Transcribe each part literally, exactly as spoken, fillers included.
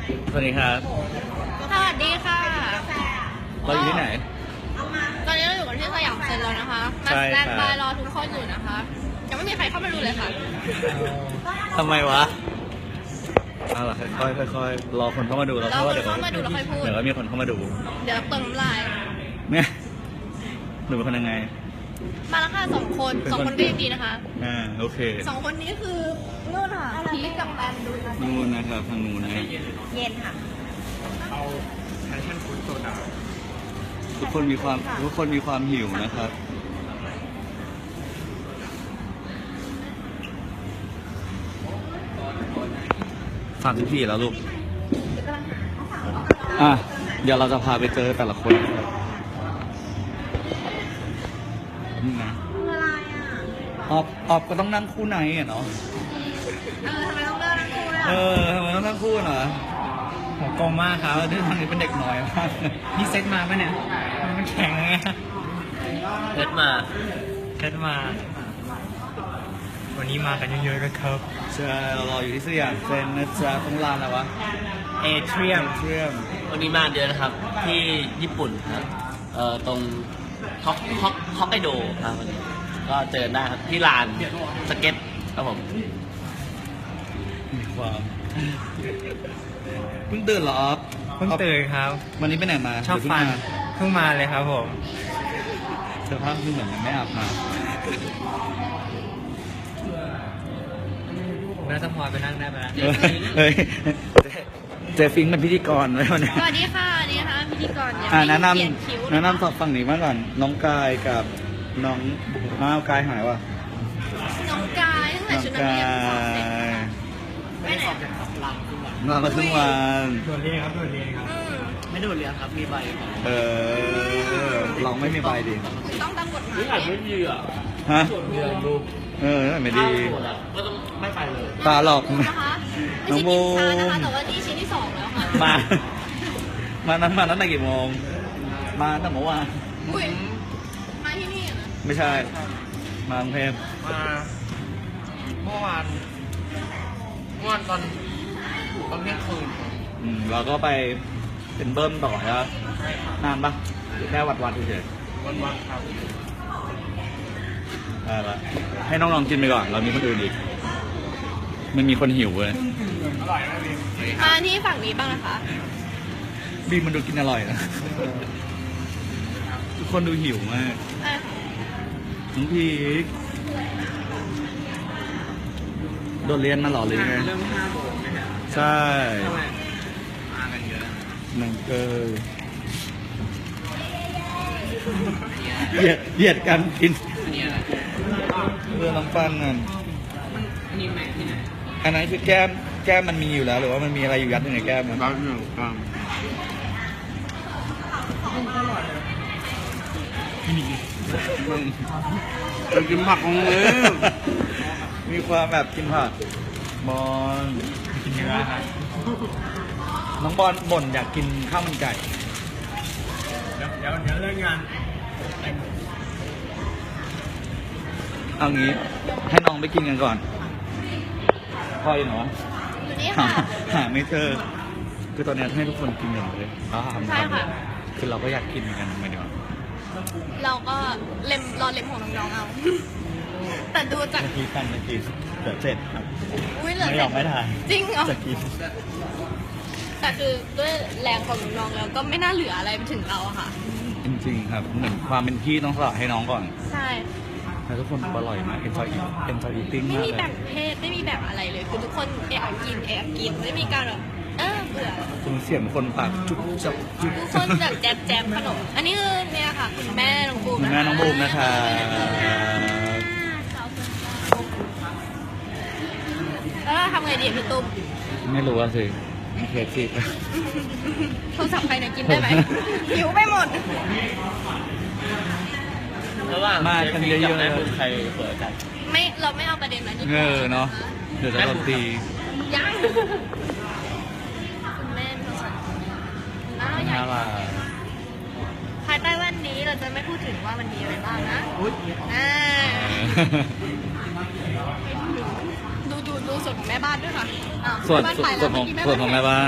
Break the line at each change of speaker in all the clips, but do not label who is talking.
สวัสดีครับ
สวัสดีค่ะ
เราอยู่ที่ไหน
ตอนนี้เราอยู่กันที่สยามเซ็นแล้วนะคะมา
ใช่
สแตน
ครับ
บายรอทุกคนอยู่นะคะยังไม่มีใครเข้ามาดูเลยค่ะ
ทำไมวะเอาล่ะค่อยๆค่อยๆรอคนเข้ามาดูเรา
เรา
เพราะว่า
คน
เดี๋ยว
เข้ามาดูแล้วค่อยพูด
เดี๋ยวก็มีคนเข้ามาดู
เดี๋ยวเติมน้ำลาย
เนี่ยหนูเป็นคนยังไง
มาแล้วค่ะสองคนสองคนก็ยังดีนะคะ
อ่าโอเค
สองคนนี้คือนู่นค่ะพีคกับแปมดูนะ
นู่นนะครับทางนู้นนะ
เย็นค่ะ
เอาแพชชั่นฟู้ดโซดา
ทุกคนมีความทุกคนมีความหิวนะครับสามสิบสี่แล้วลูกอ่ะเดี๋ยวเราจะพาไปเจอแต่ละคนนะครับนี่นะ
คืออะไรอ่ะ
ออบออบก็ต้องนั่งคู่ไหนอ่ะเนาะ
เออทำไมต้องเลิกทั้งคู่เลย
เอ
อ่ะ
อทำไมต้องนั่งคู่เหรอ
หัวกลมมากครับ
เออที่ทางนี้เป็นเด็กน้อยมาก
นี่เซ็ตมาปะเนี่ย มันแข็งไง
เล็ดมา
เซ็ตมา วันนี้มากันเยอะๆกันครับ
ใช่เรารออยู่ที่สยามเซ็นนะจ๊ะตรงลานอะไรวะ
เอเทียม
เทียม
วันนี้มาเดือนนะครับที่ญี่ปุ่นครับเอ่อตรงฮอกฮอกฮอกไกโดครับวันนี้ก็เจอได้ครับที่ลานสเก็ตครับผม
มีความเพิ่งตื่นเหรอออฟ
เพิ่งตื่นครับ
วันนี้ไปไหนมา
ชอบ
หรื
ฟัน
เพิ่งมา
เพิ่งมาเลยครับผม
สภาพคือเหมือนยังไม่อาบน้
น่าจะพอไปนั่งได้ไหมล่ะ
ำเฮ้ยเฮ้ยเจฟิงค์เป็นพิธีกรไว้วันนี้
สวัสดีค่ะนี่นะคะพิธีกรเนี่ย
อ่าแนะน
เขียนคิ้ว
ำแนะนำสอบฝั่งนี้มาก่อน น้องกายกับน้องน้าวกายหายวะ
น้องกายตั้งแต่
น้อง
ชุดนัก
กา
เรียนสอบเสร็จ
ย
ไปไหน
นอนมาครึ่งวัน
โดดเรียนครับโดดเรียนครับ
อืม
ไม่ดูเรียนครับมีใบ
เออลองไม่มีใบดิ
คุณต้องตามกฎหมาย
นี่อ่านไม่ดีอ่ะ
ฮะ
เรียนดู
เออไม่ดี
ก็ต้องไม่ไปเลย
ตาหลอก
นะคะไม่
น้อง
ใช่
โม
กินช้านะคะแต่ว่านี่ชิ้นที่สองแล้วค่ะ
มา มานั้นมาตั้งแต่กี่โมง มาตั้งแต่เมื่อวาน
อุ้ยมาที่นี่อะนะ
ไม่ใช่ มากรุงเทพ
มาเมื่อวานเมื่อวานตอนตอนเที่ยงคืน
อืมเราก็ไปเป็นเบิ้มต่อใช่ปะนานปะหรือแค่วัดวัดเฉย
วันวันครับ
ๆได้ละให้น้องๆกินไปก่อน เรามีคนอื่นอีกไม่มีคนหิวเลย
มาที่ฝั่งนี้บ้างนะคะ
บีมมันดูกินอร่อยนะ ทุกคนดูหิวมาก
อ่ะ
น้องพีคโดดเรียนมาเหรอหรือไง
เริ่มห้าโมงไหมฮะ
ใช่
มากันเยอะ
หนังเกยเหยียดเหยียดกันกิน
อันนี้อะไร
เรือน้ำปันนั่น
อันนี้แม็กที่ไหน
อันนั้นคือแก้มแก้มมันมีอยู่แล้วหรือว่ามันมีอะไรอยู่ยัดอยู่ในแก้มมัน
บ้านหนึ่งกลาง
มึง
ไปกินผักของเลย
มีความแบบกินผักบอล
กินเนื้อครับ
น้องบอลบ่นอยากกินข้าวมันไก่
เดี๋ยวเดี๋ยวเดี๋ยวเลิกงาน
เอางี้ให้น้องไปกินกันก่อนพ่ออยู่ไหนวะ
อยู่นี่
หา
ค่ะ
หาไม่เจอคือตอนนี้ให้ทุกคนกินอย่างเลยอ่า
ใช่ค่ะ
คือเราก็อยากกินเหมือนกันไม่ได้ว่า
เราก็เล็มรอเล็มของน้องๆเอา แต่ดูจาก
จะกินกันจะกินเดี๋ยวเสร็จครับ
อุ้ยเหลือ
ไม่ยอมไม่ทาน
จริงเหรอ
จะกิน
แต่คือด้วยแรงของน้องๆแล้วก็ไม่น่าเหลืออะไรไปถึงเราอะค่ะ
จริงๆครับเหมือนความเป็นพี่ต้องสละให้น้องก่อน
ใช่
แต่ทุกคนอร่อยมาก enjoy eat enjoy eating
ไม่
มาก
มี
เล
แบ่
ย
งเพศไม่มีแบ่งอะไรเลย คือทุกคนแอบกินแอบกินไม่มีการแบบเออเบื่อ
คุณเสียงคนปากจุ๊บจับจุ๊บ
ทุกคนแบบแจมแจมขนม อันนี้คือเนี่ยค่ะ คุณแม่น้องบูม
คุณแม่น้องบูมนะคะ
แล้วเราทำไงดีอะพี่ตุ้ม
ไม่รู้ว่าสิเคสสิ
โทรศัพท์ใครเนี่ยกินได้ไหม หิวไปหมด
ระหว่าง
มากันเยอะๆ
แม่บุญใครเปิดกัน
ไม่เราไม่เอาประเด็นนั้นดีก
เอ
ว่า
อเนาะเดี๋ยวจะโดนตี
ยังคุณแม่ไม่ต้องสนหน้าใหญ่
น่ารัก
ภายใต้แว่นนี้เราจะไม่พูดถึงว่ามันมีอะไรบ้างนะอ่าดูดูดูส่วนของแม่บ้านด้วยค่ะอ้าว
ส่วน
แม่บ้า
ส่วน
ไป
ส่
แล้ว
วนของ
เมื่กี้
ส่วนของแม่บ้าน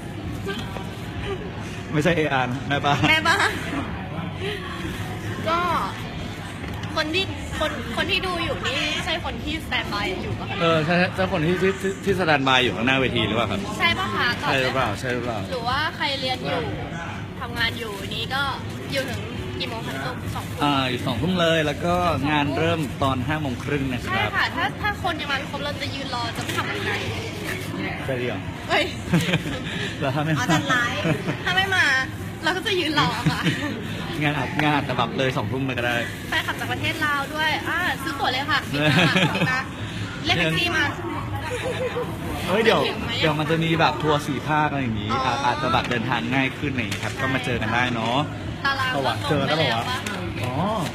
ไม่ใช่เออานแม่บ้าน
แม่บ้าน ก็คนที่คนคนที่ดูอยู่นี่ใช่คนที่สแตนบายอยู่ปะคะ
เออใช่ใช่คนที่ที่ที่ที่สแตนบายอยู่ข้างหน้าเวทีหรือเปล่าครับ
ใช่ปะคะตอบ
ใช่หรือเปล่า
ได้
ใช่หรือเปล่า
หรือว่าใครเรียนอยู่ทำงานอยู่นี้ก็อยู่ถึงกี่โมงคะตุ้มสองทุ่ม
อ่าอยู่สองทุ่มเลยแล้วก็งานเริ่มตอนห้าโมงครึ่งนะค
ใช่
รับ
ค่ะ ถ้าถ้าคนยังมาไม่ครบเราจะยืนรอจะทำยังไง
ใช่เดียว
เฮ้ย
แล้วถ้าไม่
เอาจัดไลฟ์ถ้าไม่มาเราก็จะยืนรอค่ะ
งานอัดงานแต่แบบเลยสองทุ่มไปก็ได้
แฟนคลับจากประเทศลาวด้วยอ่าซื้อตั๋วเลยค่ะบินมาบินมาเรียกแท็กซี่มา
เฮ้ยเดี๋ยว
เห็นไหม
เดี๋ยวมันจะมีแบบทัวร์สี่ภาคอะไรอย่างนี้
อ๋ออ
อาจจะแบบเดินทางง่ายขึ้นอะไรอย่างนี้ครับ ก็มาเจอกันได้เนาะ
ตาราง
เอาวะเจอแล้วเหรอวะ อ๋อ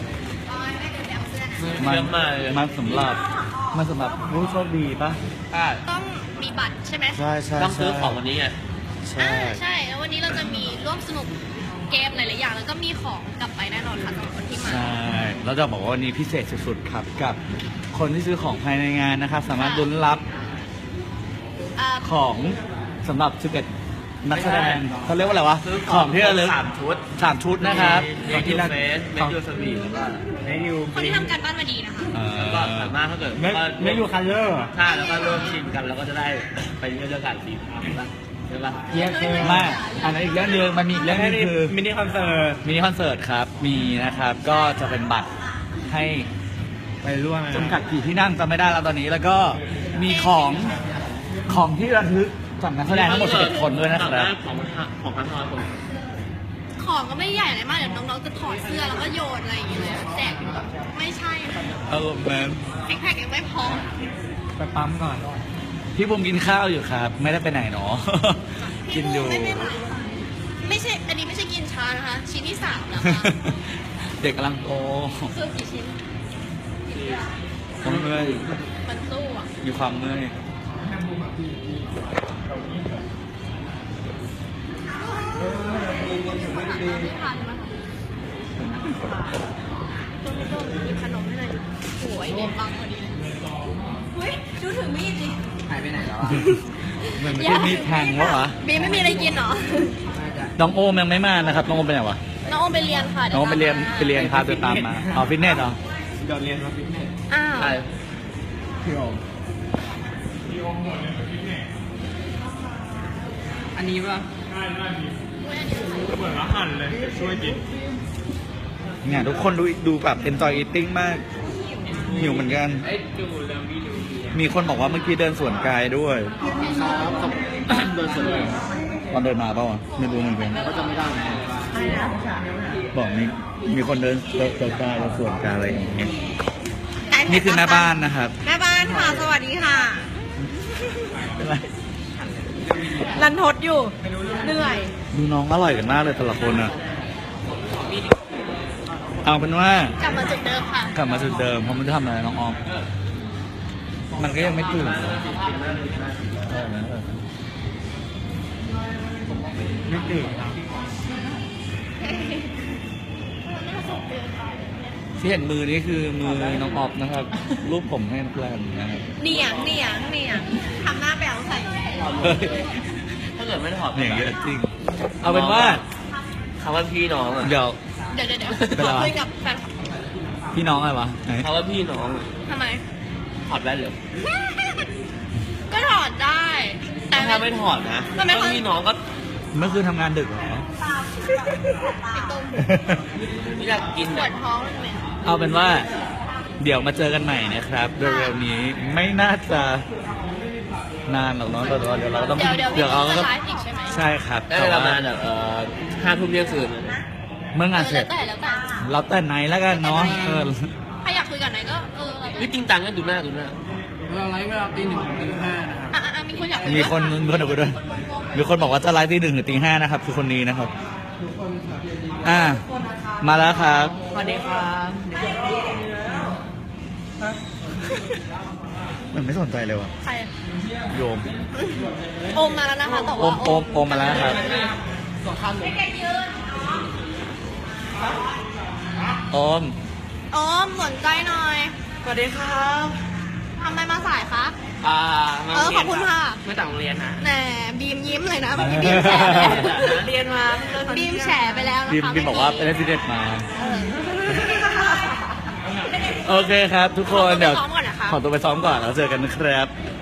เยอะมากเลย
มันสำหรับมันสำหรับผู้โชคดีปะ
ใช่
ต้องมีบัตรใช่ไหม
ใช่ใช่
ต้องซื้อของวันนี้ไง
ใช่
อ่าใช่แล้ววันนี้เราจะมีร่วมสนุกเกมหลายๆอย่างแล้วก็มีของกลับไปแน่นอนค่ะสำหรับคนที่มา
ใช่แล้วจะบอกว่าวันนี้พิเศษสุดๆครับกับคนที่ซื้อของภายในงานนะครับ สามารถลุ้นรับ
อ่า
ของสำหรับสิบเอ็ดนักแสดงเขาเรียกว่าอะไรวะ
ซื้อ
ของที่ระลึก
สามชุด
สามชุดนะครับ
เมนูเฟสเมนูสวีทแล้วก็เมนู
คนที่ทำการบ้านมาดีนะคะ
เออ
แล้วก็สามารถถ้าเกิด
ไม่
ว่า
ไม่อยู่คันเลอร์
ใช่แล้วก็ร่วมชิมกันแล้วก็จะได้ไปเรื่องการสีฟ้าใช่ปะใช่ปะ
เยี่ยมเลย
ไมาอันนั้นอีกเรื่องหนึงมันมีอีกเรื่องหนึงคือ
มินิคอนเสิร์ต
มินิคอนเสิร์ตครับ มีนะครับ ก็จะเป็นบัตรให้
ไปร่วม
จำกัดกี่ที่นั่งจำไม่ได้แล้วตอนนี้ แล้วก็มีของของที่ระลึกจากนักแสดงทั้งหมดสิบเอ็ดคนด้วยนะครับ
ของของพันทอยคน
ของก็ไม่ใหญ่อะไรมากเดี๋ยวน้องๆจะถอดเสื้อแล้วก็โยนอะไรอย่างเงี้ยเลยแจกไม่ใช่
เออแมน
ซิกแพคยังไม่พอ
ไปปั๊มก่อน
พี่บุมกินข้าวอยู่ครับ ไม่ได้ไปไหนเนาะ กินอยู่
ไม่ไม่ไม่ไม่ใช่ อันนี้ไม่ใช่กินช้านะคะ ชิ้นที่สามแล้วค่ะ
เด็กกำลังโต
ซื้อกี่ชิ้น
เมื่อย
มันสู้อ่ะ
มีความเมื่อย
ไม่ทานมาต้นต้นหยิบขนมให้หน่อยดิโอ้ยเด็ดบังพอดีเลยเฮ้ยดูถึงมีดดิ
หายไปไหนแล้ว
เหมือนไม่ใช่มีดแทงวะวะ
บีไม่มีอะไรกินเหรอ
น้องโอมยังไม่มานะครับ น้องโอมไปไหนวะ
น้องโอมไปเรียนค่ะ
น้องโอมไปเรียนไปเรียนพาเดินตามมาอ๋อฟิตเนสเหรอ
เดี๋ยวเรียนมาฟิตเนส
อ้าว
ใช่
พี่โอมอันนี้ป่ะเหมือนอาหารเลยช่วยกิน
เนี่ยทุกคนดูดูแบบ enjoy eating มากหิวเหมือนกัน
ไอ้ดูแล้วมีดู
มีคนบอกว่าเมื่อกี้เดินสวนกายด้วย
ครับโดนส่วนเลย
ตอนเดินมาเปล่าวะไม่รู้เหมือนกัน
ก็จะไม่ได้
บอกมีมีคนเดินเดินสวนกายแล้วสวนกายอะไรอย่างเงี้ยนี่คือแม่บ้านนะครับ
แม่บ้านค่ะ สวัสดีค่ะ
เป็นไร
รันทดอยู่ เหนื่อย
ดูน้องอร่อยกันมากเลยแต่ละคนอ่ะ เอาเป็นว่าก
ลับมาจุดเดิมค่ะ
กลับมาจุดเดิมเพราะมันจะทำอะไรน้องออม มันก็ยังไม่ตื่นเออเออ
ไม่ตื่นครับ
ที่เห็นมือนี้คือมือน้องออฟนะครับ รูปผมให้นักแลนนะครับ
เหนียงเหนียงเหนียงทำหน้าแปลวใส่
เฮ้ย
ถ้าเกิดไม่ถอด
เนี่ยเยอะจริง เอาเป็นว่า
คำว่าพี่น้องอ่ะ
เดี๋ยว
เดี๋ยวเดี๋ยวเดี๋ยว
เป็น
ข
ไร
อ
วะ
คุยกับแฟน
พี่น้องอะไรวะไหน
คำว่าพี่น้อง
ทำไม
ถอดแว่นเลย
ก็ถอดได้ แต่
ถ้าไม่ถอดนะ
มันไม่
ก็พี่น้องก็
เมื่อคืนทำงานดึกเหรอ
ไอ้ตรง
ไม่อยากกิน
ปว
อ่ะ
ดท้องเลย
เอาเป็นว่า เดี๋ยวมาเจอกันใหม่นะครับเร็วๆนี้ไม่น่าจะนานหรอกเนาะแต่ว่าเดี๋ยวเราต้อง
เดี๋ยวเดี๋ยวพี่
เรา
จะ
ก็
ไลฟ์อีกใช่ไหม
ใช่ครับ
ได้
แต่
ประ
ว่า
มาณแบบเอ่อห้าทุ่มเที่ยงคืนนะ
เมื่อ
เออง
านเสร็
แล้
จ
วแต่แล้วแต่
เราแต่ไหนแล้วกันเนาะเออ
ถ้าอยากคุยกับไหนก็เออแล้วแต่
วิจริงตังก็ดูหน้าดูหน้า
เราไลฟ์เวลาตีหนึ่งถึงตีห้านะครับ
อ่ะอ่ะอ่ะมีคนอยากคุย
มีคนมีคนดูด้วยมีคนบอกว่าจะไลฟ์ตีหนึ่งหรือตีห้านะครับ คือคนนี้นะครับ อ่า มาแล้วครับ
สวัสดีครับ
มันไม่สนใจเลยว่ะ
ใคร
โยม
โอมมาแล้วนะคะแต่
โอ
ว่าม
โอมโอมมาแล้วครับโอม
โอมสนใจหน่อย
สวัสดีครับ
ทำไมมาสายคะ
อ่า
เออขอบคุณค่ะ
ไม่ต่างโรงเรียนฮะ
แหมบีมยิ้มเลยนะเมื่อกี้บีมแฉไปแล้ว
เรียนมาเพิ่งเลิกตอน
บี
เที่ยง
มแฉไปแล้วนะคะ
บิมบิมบอกว่าเป็นเรสซิเดนต์มา
เออ
โอเคครับ ทุกคนเดี๋ยว
ขอตัวไปซ้อมก่อนนะคะ
ขอตัวไปซ้อมก่อนแล้วเจอกันนะครับ